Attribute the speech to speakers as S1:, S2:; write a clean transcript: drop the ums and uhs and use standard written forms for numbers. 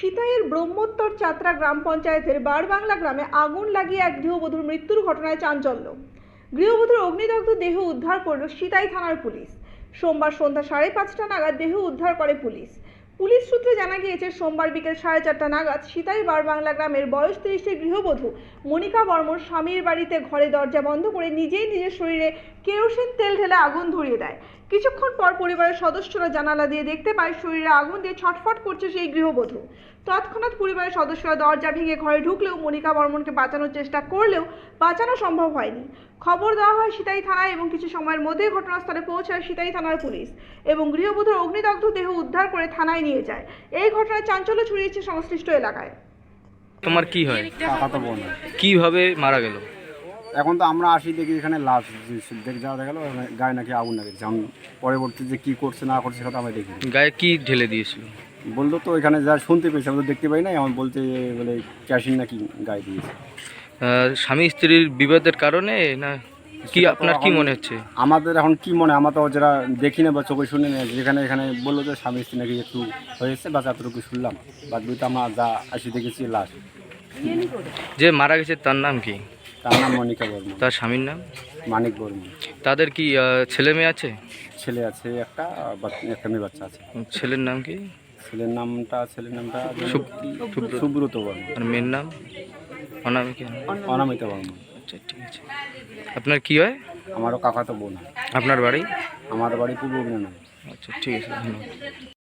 S1: সিতাইয়ের ব্রহ্মোত্তর চাত্রা গ্রাম পঞ্চায়েতের বারবাংলা গ্রামে আগুন লাগিয়ে এক গৃহবধূর মৃত্যুর ঘটনায় চাঞ্চল্য। গৃহবধূর অগ্নিদগ্ধ দেহ উদ্ধার করল সিতাই থানার পুলিশ। সোমবার সন্ধ্যা 5:30 নাগাদ দেহ উদ্ধার করে পুলিশ। পুলিশ সূত্রে জানা গিয়েছে, সোমবার বিকেল 4:30 নাগাদ সিতাই বারবাংলা গ্রামের বয়স 30-এর গৃহবধূ মনিকা বর্মন স্বামীর বাড়িতে ঘরে দরজা বন্ধ করে নিজেই নিজের শরীরে কেরোসিন তেল ঢেলে আগুন ধরিয়ে দেয়। কিছুক্ষণ পর পরিবারের সদস্যরা জানালা দিয়ে দেখতে পায় শরীরে আগুন দিয়ে ছটফট করছে সেই গৃহবধূ। তৎক্ষণাৎ পরিবারের সদস্যরা দরজা ভেঙে ঘরে ঢুকলেও মনিকা বর্মনকে বাঁচানোর চেষ্টা করলেও বাঁচানো সম্ভব হয়নি। খবর দেওয়া হয় সিতাই থানায় এবং কিছু সময়ের মধ্যেই ঘটনাস্থলে পৌঁছায় সিতাই থানার পুলিশ এবং গৃহবধূর অগ্নিদগ্ধ দেহ উদ্ধার করে থানায় নিয়ে যায়। এই ঘটনায় চাঞ্চল্য ছড়িয়েছে সংশ্লিষ্ট এলাকায়।
S2: তোমার কি হয়?
S3: কাকাতো বোন।
S2: কিভাবে মারা গেল?
S3: এখন তো আমরা আসি দেখি এখানে লাশ দেখে যাওয়া গেল, গায়ে নাকি আগুন লেগেছে। আমি পরবর্তী যে কী করছে না করছে সেটা আমি দেখি।
S2: গায়ে কি ঢেলে দিয়েছিল?
S3: বললো তো এখানে যা শুনতে পেয়েছি, আমি তো দেখতে পাই না। আমার বলতে বলে ক্যাশিন নাকি গায়ে দিয়েছে।
S2: স্বামী স্ত্রীর বিবাদের কারণে না কি? আপনার কি মনে হচ্ছে?
S3: আমাদের এখন কি মনে, আমরা তো যারা দেখি না বা চোখে শুনি না, যেখানে এখানে বললো যে স্বামী স্ত্রী নাকি একটু হয়েছে, বাস এতটুকু শুনলাম। বাদ তো আমরা যা আসি দেখেছি লাশ।
S2: যে মারা গেছে তার নাম কি?
S3: তার নাম মনিকা বর্মন।
S2: তার স্বামীর নাম?
S3: মানিক বর্মন।
S2: তাদের কি ছেলে মেয়ে আছে?
S3: ছেলে আছে একটা, একটা মেয়ে বাচ্চা আছে।
S2: ছেলের নাম কি?
S3: ছেলের নামটা
S2: সুব্রত।
S3: সুব্রত বর্মন।
S2: আর মেয়ের নাম? অনামিকা।
S3: অনামিতা বর্মন।
S2: আচ্ছা, ঠিক আছে। আপনার কি হয়?
S3: আমারও কাকাতো বোন।
S2: আপনার বাড়ি?
S3: আমার বাড়ি পূর্ব মেদিনীপুর।
S2: আচ্ছা, ঠিক আছে, ধন্যবাদ।